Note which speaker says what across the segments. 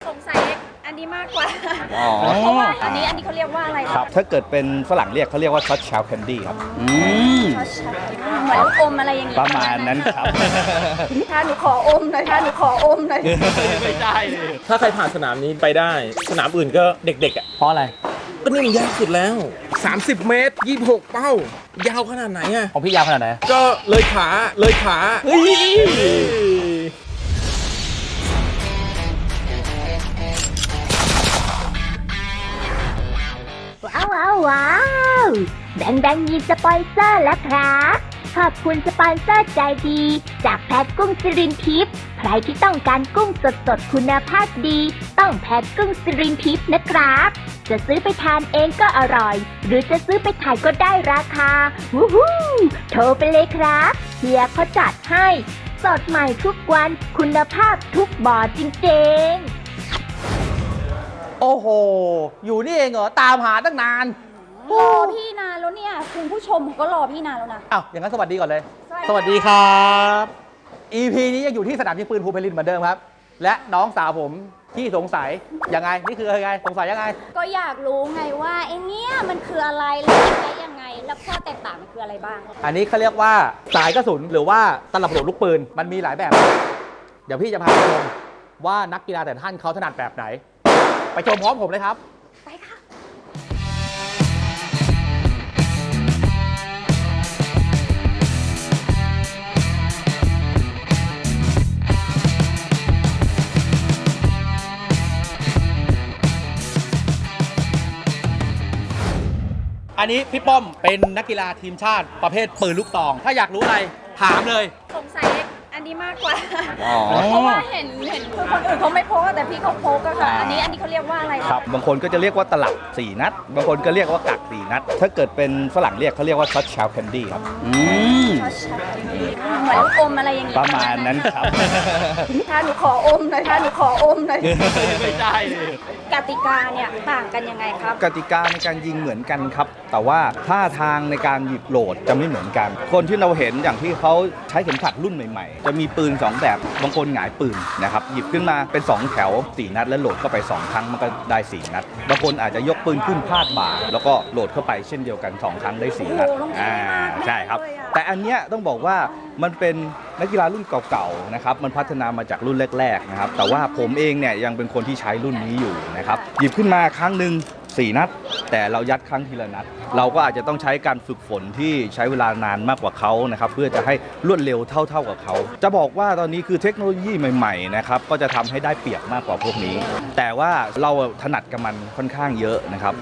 Speaker 1: สงสัยอันนี้มากกว่าเพราะว่าอันนี้เขาเรียกว่าอะไร
Speaker 2: ครับถ้าเกิดเป็นฝรั่งเรียกเขาเรียกว่าช็อตชาวแคนดี้ครับ
Speaker 1: เหมือนลูกอมอะไรอย่างงี้
Speaker 2: ประมาณนั้นครับ
Speaker 1: ถ้าหนูขออมหน่อย
Speaker 3: ไม่ได้เลยถ้าใครผ่านสนามนี้ไปได้สนามอื่นก็เด็กๆอ่ะ
Speaker 4: เพราะอะไร
Speaker 3: ก็นี่มันยากสุดแล้ว30 เมตร 26 เป้ายาวขนาดไหนอ่ะ
Speaker 4: ของพี่ยาวขนาดไหน
Speaker 3: ก็เลยขาเฮ้ย
Speaker 5: ว้าวแบงมีสปอนเซอร์แล้วครับขอบคุณสปอนเซอร์ใจดีจากแพทกุ้งสิรินทิพย์ใครที่ต้องการกุ้งสดคุณภาพดีต้องแพทกุ้งสิรินทิพย์นะครับจะซื้อไปทานเองก็อร่อยหรือจะซื้อไปขายก็ได้ราคาวู้ฮู้โทรไปเลยครับเฮียเขาจัดให้สดใหม่ทุกวันคุณภาพทุกบ่อจริงๆ
Speaker 4: โอ้โหอยู่นี่เองเหรอตามหาตั้งนาน
Speaker 1: รอพี่นานแล้วเนี่ยคุณผู้ชมก็รอพี่นานแล้วนะ
Speaker 4: อ้าวอย่างนั้นสวัสดีก่อนเลยสวัสดีครับ EP นี้ยังอยู่ที่สนามยิงปืนภูเพลินเหมือนเดิมครับและน้องสาวผมที่สงสัยยังไงนี่คือยังไงสงสัยยังไง
Speaker 1: ก็อยากรู้ไงว่าไอ้เนี่ยมันคืออะไรแล้วใช้ยังไงแล้วข้อแตกต่างมันคืออะไรบ้าง
Speaker 4: อันนี้เขาเรียกว่าสายกระสุนหรือว่าตลับโหลดลูกปืนมันมีหลายแบบเดี๋ยวพี่จะพาไปชมว่านักกีฬาแต่ละท่านเขาถนัดแบบไหนไปชมพร้อมผมเลยครับ
Speaker 1: ไปค่ะ
Speaker 4: อันนี้พี่ป้อมเป็นนักกีฬาทีมชาติประเภทปืนลูกซองถ้าอยากรู้อะไรถามเลย
Speaker 1: สงสัยอันนี้มากกว่าเพราะว่าเห็นคือคนอื่นเขาไม่พกแต่พี่เขาพกอะค่ะอันนี้เขาเรียกว่าอะไร
Speaker 2: ครับบางคนก็จะเรียกว่าตลับ4 นัดบางคนก็เรียกว่ากัก4 นัดถ้าเกิดเป็นฝรั่งเรียกเขาเรียกว่าช็อตชาวแคนดี้ครับ
Speaker 1: เหมือนลูกอมอะไรอย่างงี้
Speaker 2: ประมาณนั้นครับ
Speaker 1: ถ้าหนูขออมหน่อย
Speaker 3: ไม่ได้เลย
Speaker 1: กติกาเนี่ยต่างกันยังไงครับ
Speaker 2: กติกาในการยิงเหมือนกันครับแต่ว่าท่าทางในการหยิบโหลดจะไม่เหมือนกันคนที่เราเห็นอย่างที่เขาใช้เข็มขัดรุ่นใหม่ๆจะมีปืน2แบบบางคนหงายปืนนะครับหยิบขึ้นมาเป็น2แถว4 นัดแล้วโหลดเข้าไป2 ครั้งมันก็ได้4 นัดบางคนอาจจะยกปืนขึ้นพาดบ่าแล้วก็โหลดเข้าไปเช่นเดียวกัน2 ครั้งได้4 นัดใช่ครับแต่อันเนี้ยต้องบอกว่ามันเป็นนักกีฬารุ่นเก่าๆนะครับมันพัฒนามาจากรุ่นแรกๆนะครับแต่ว่าผมเองเนี่ยยังเป็นคนที่ใช้รุ่นนี้อยู่นะครับหยิบขึ้นมาครั้งหนึ่ง4 นัดแต่เรายัดครั้งทีละนัดเราก็อาจจะต้องใช้การฝึกฝนที่ใช้เวลานานมากกว่าเขานะครับเพื่อจะให้รวดเร็วเท่ากับเขาจะบอกว่าตอนนี้คือเทคโนโลยีใหม่ๆนะครับก็จะทำให้ได้เปรียบมากกว่าพวกนี้แต่ว่าเราถนัดกับมันค่อนข้างเยอะนะครับ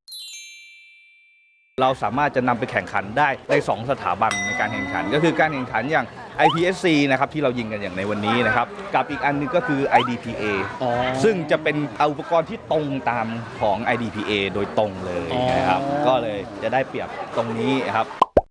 Speaker 2: เราสามารถจะนำไปแข่งขันได้ใน2 สถาบันในการแข่งขันก็คือการแข่งขันอย่าง IPSC นะครับที่เรายิงกันอย่างในวันนี้นะครับกับอีกอันนึงก็คือ IDPA ซึ่งจะเป็นอุปกรณ์ที่ตรงตามของ IDPA โดยตรงเลยนะครับก็เลยจะได้เปรียบตรงนี้ครับ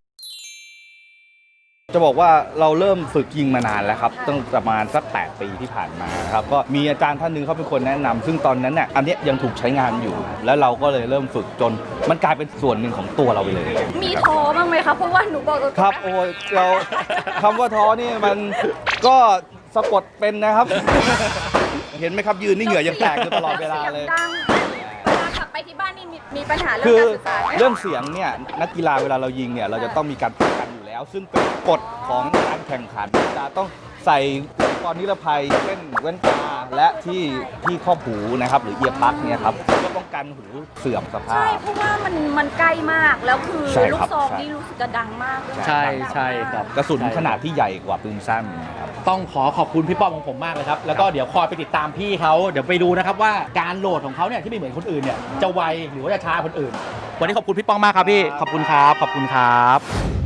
Speaker 2: จะบอกว่าเราเริ่มฝึกยิงมานานแล้วครับตั้งประมาณสัก8 ปีที่ผ่านมาครับก็มีอาจารย์ท่านนึงเขาเป็นคนแนะนำซึ่งตอนนั้นเนี่ยอันนี้ยังถูกใช้งานอยู่แล้วเราก็เลยเริ่มฝึกจนมันกลายเป็นส่วนหนึ่งของตัวเราไปเลย
Speaker 1: มีท้อบ้างไหมครับเพราะว่าหนูบอก
Speaker 2: ครับโอ้ยเราคำว่าท้อนี่มันก็สะกดเป็นนะครับเห็นไหมครับยืนนี่เหงื่อยังแตกอยู่ตลอดเวลาเลย
Speaker 1: กลับไปที่บ้านนี่มีปัญหาเรื่อง
Speaker 2: การ
Speaker 1: สื่อสาร
Speaker 2: เรื่องเสียงเนี่ยนักกีฬาเวลาเรายิงเนี่ยเราจะต้องมีการป้องกันอยู่แล้วซึ่งเป็นกฎของการแข่งขันจะต้องใส่อุปกรณ์นิรภัยเช่นแว่นตาและที่ครอบหูนะครับหรือเอียร์ปลั๊กเนี่ยครับก็ป้องกันหูเสื่อมสภาพ
Speaker 1: ใช่เพราะว่ามันใกล้มากแล้วคือลูกซองนี่รู้สึกจะดังมาก
Speaker 4: ใช่ครับ
Speaker 2: กระสุนขนาดที่ใหญ่กว่าปืนสั้นครับ
Speaker 4: ต้องขอบคุณพี่ป้อมของผมมากเลยครับแล้วก็เดี๋ยวคอยไปติดตามพี่เขาเดี๋ยวไปดูนะครับว่าการโหลดของเขาเนี่ยที่ไม่เหมือนคนอื่นเนี่ยจะไวหรือว่าจะช้าคนอื่นวันนี้ขอบคุณพี่ป้อมมากครับพี่ขอบคุณครับ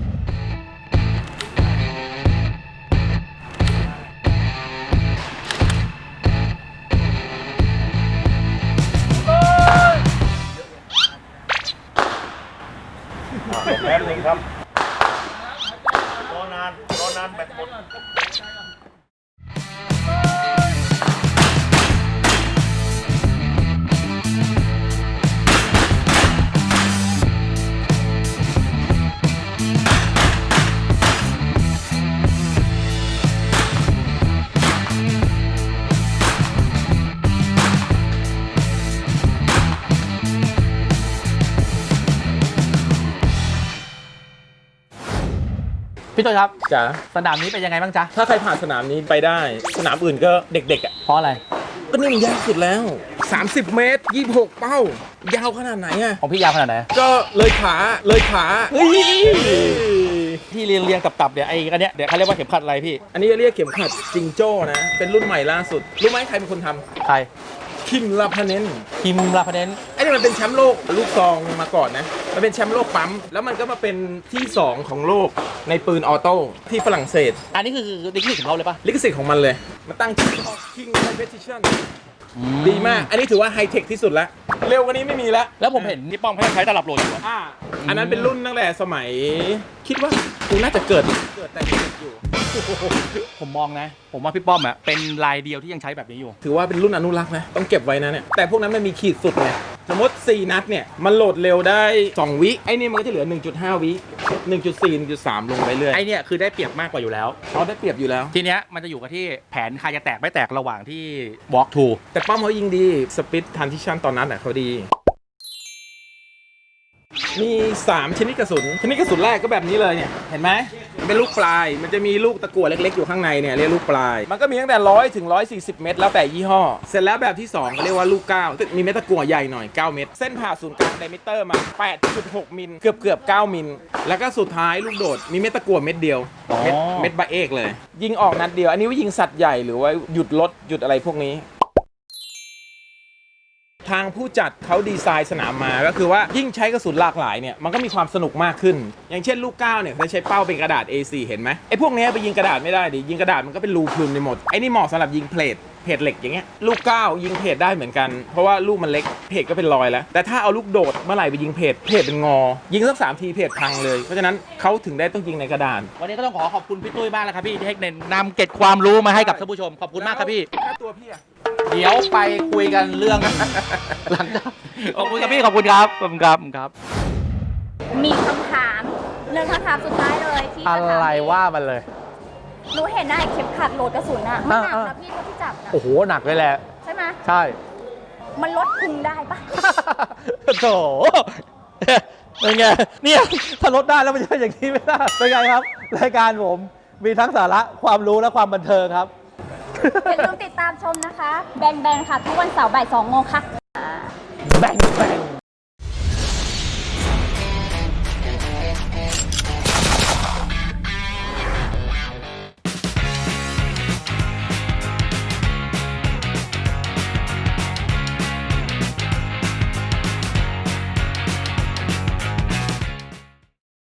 Speaker 3: แป๊บนึงครับรอนานแบตหมด
Speaker 4: พี่ตุ้ยครับ
Speaker 3: จ๋า
Speaker 4: สนามนี้เป็นยังไงบ้างจ๊ะ
Speaker 3: ถ้าใครผ่านสนามนี้ไปได้ สนามอื่นก็เด็กๆอ่ะ
Speaker 4: เพราะอะไร
Speaker 3: ก็นี่มันยากสุดแล้ว 30 เมตร 26 เป้ายาวขนาดไหนอ่ะ
Speaker 4: ของพี่ยาวขนาดไหน
Speaker 3: ก็เลยขาเฮ้ย
Speaker 4: ที่เรียงกับเนี่ยไอ้อันเนี้ยเดี๋ยวเขาเรียกว่าเข็มขัดอะไรพี่
Speaker 3: อันนี้เรียกเข็มขัดจิงโจ้นะ เป็นรุ่นใหม่ล่าสุด รู้ไหมใครเป็นคนท
Speaker 4: ใคร
Speaker 3: ำคิมลาพาเนน
Speaker 4: คิมลาพาเดน
Speaker 3: ไอ้นี่มันเป็นแชมป์โลกลูกซองมาก่อนนะ มันเป็นแชมป์โลกปั๊ม แล้วมันก็มาเป็นที่ 2 ของโลกในปืนออโต้ที่ฝรั่งเศส
Speaker 4: อันนี้คือดิกนี่ของเขาเลยปะ
Speaker 3: ลิขสิทธิ์ของมันเลย มาตั้งชื่อ King Competition ดีมาก อันนี้ถือว่าไฮเทคที่สุดแล้ว เร็วกว่านี้ไม่มีแล้ว
Speaker 4: แล้วผมเห็นพี่ป้อมเขายังใช้ตลับโหลดอยู่อะ
Speaker 3: อันนั้นเป็นรุ่นตั้งแต่สมัย คิดว่ากูน่าจะเกิดแต่เด็กอยู่
Speaker 4: ผมมองนะ ผมว่าพี่ป้อมอะเป็นรายเดียวที่ยังใช้แบบนี้อยู่
Speaker 3: ถือว่าเป็นรุ่นอนุรักษ์นะ ต้องเก็บไว้นะเนี่ย แต่พวกนั้นมันมีขีดสุดไง สมมติ 4 นัดเนี่ย มันโหลดเร็วได้ 2 วิ ไอ้นี่มันก็จะเหลือ 1.5 วิ 1.4 1.3 ลงไปเรื่อย
Speaker 4: ไอเนี่ยคือได้เปรียบมากกว่าอยู่แล้ว
Speaker 3: เขาได้เปรียบอยู่แล้ว
Speaker 4: ทีเนี้ยมันจะอยู่กับที่แผนใครจะแตกไม่แตกระหว่างที่ walk to
Speaker 3: แต่ป้อมเขายิงดี สปิดทันทิชันตอนนั้นเขาดี มี 3 ชนิดกระสุน ชนิดกระสุนแรกก็แบบนี้เลยเนี่ย เห็นไหมมันเป็นลูกปลาย มันจะมีลูกตะกั่วเล็กๆอยู่ข้างในเนี่ยเรียกลูกปลาย มันก็มีตั้งแต่100ถึง140 เมตรแล้วแต่ยี่ห้อ เสร็จแล้วแบบที่ 2 ก็เรียกว่าลูก 9 มีเม็ดตะกั่วใหญ่หน่อย 9 เม็ด เส้นผ่าศูนย์กลางไดมิเตอร์มา 8.6 มิล เกือบ 9 มิล แล้วก็สุดท้ายลูกโดด มีเม็ดตะกั่วเม็ดเดียว เม็ดบะเอกเลย ยิงออกนัดเดียว อันนี้ว่ายิงสัตว์ใหญ่หรือว่าหยุดรถหยุดอะไรพวกนี้ ทางผู้จัดเขาดีไซน์สนามมาก็คือว่ายิ่งใช้กระสุนหลากหลายเนี่ยมันก็มีความสนุกมากขึ้น อย่างเช่นลูก 9เนี่ยเขาใช้เป้าเป็นกระดาษ A4 เห็นไหมไอ้พวกนี้ไปยิงกระดาษไม่ได้ดิยิงกระดาษมันก็เป็นรูพรุนไปหมดไอ้นี่เหมาะสำหรับยิงเพลทเหล็กอย่างเงี้ยลูก 9 ยิงเพจได้เหมือนกันเพราะว่าลูกมันเล็กเพจก็เป็นรอยแล้วแต่ถ้าเอาลูกโดดเมื่อไหร่ไปยิงเพจเป็นงอ ยิงสัก3 ทีเพจพังเลยเพราะฉะนั้นเขาถึงได้ต้องยิงในกระดาน
Speaker 4: วันนี้ก็ต้องขอบคุณพี่ตุ้ยมากเลยครับพี่ที่ให้นำเกร็ดความรู้มาให้กับท่านผู้ชมขอบคุณมากครับพี่
Speaker 3: ค่าตัวพี่อะ
Speaker 4: เดี๋ยวไปคุยกันเรื่อง หลังจากขอบคุณครับพี่ขอบคุณครับขอบคุณครับครับ
Speaker 1: มีคำถามเรื่องคำถามสุดท้ายเลยที่
Speaker 4: อะ
Speaker 1: จะถาม
Speaker 4: ไรว่ามันเลย
Speaker 1: หนูเห็นนะไอ้เข็มขัดโหลดกระสุนอะมันหนัก
Speaker 4: อ่า
Speaker 1: นะพี่ถ้าพี่จับนะ
Speaker 4: โอ้โหหนักเลยแหละ
Speaker 1: ใช่ไหม
Speaker 4: ใช่
Speaker 1: มันลดพุงได้ปะ
Speaker 4: โถเป็นไงเนี่ยถ้าลดได้แล้วมันจะเป็นอย่างนี้ไม่ได้เป็นไงครับรายการผมมีทั้งสาระความรู้และความบันเทิงครับ
Speaker 1: อย่าลืมติดตามชมนะคะ แบงค่ะ ทุกวันเสาร์บ่าย 2 โมงค่ะ